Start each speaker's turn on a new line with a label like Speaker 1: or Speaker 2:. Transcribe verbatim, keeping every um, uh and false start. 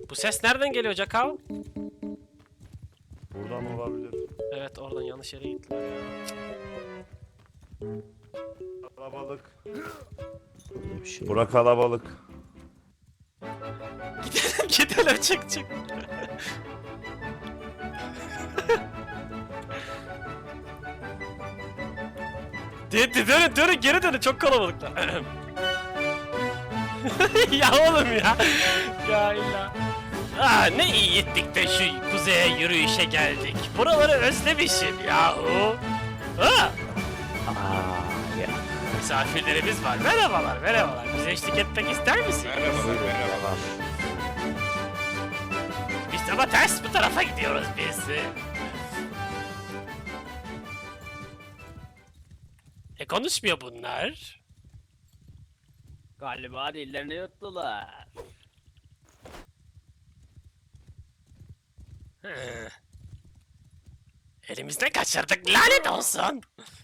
Speaker 1: Bu ses nereden geliyor Cakav?
Speaker 2: Buradan olabilir.
Speaker 1: Evet oradan yanlış yere gittiler ya.
Speaker 2: Kalabalık.
Speaker 3: Burada bir şey.
Speaker 2: Bura kalabalık.
Speaker 1: Gidelim gidelim çık çık. De, de, dönün dönün geri dönün çok kalabalıklar. Ya oğlum ya. Ya illa. Ah ne iyi ettik de şu kuzeye yürüyüşe geldik. Buraları özlemişim yahu. Ha?
Speaker 3: Aa ya.
Speaker 1: Misafirlerimiz var. Merhabalar merhabalar. Bize eşlik etmek ister misin?
Speaker 4: Merhabalar, merhabalar.
Speaker 1: Biz ama ters bu tarafa gidiyoruz biz. E konuşmuyor bunlar.
Speaker 5: Galiba dillerini yuttular.
Speaker 1: Hı. Elimizden kaçırdık lanet olsun.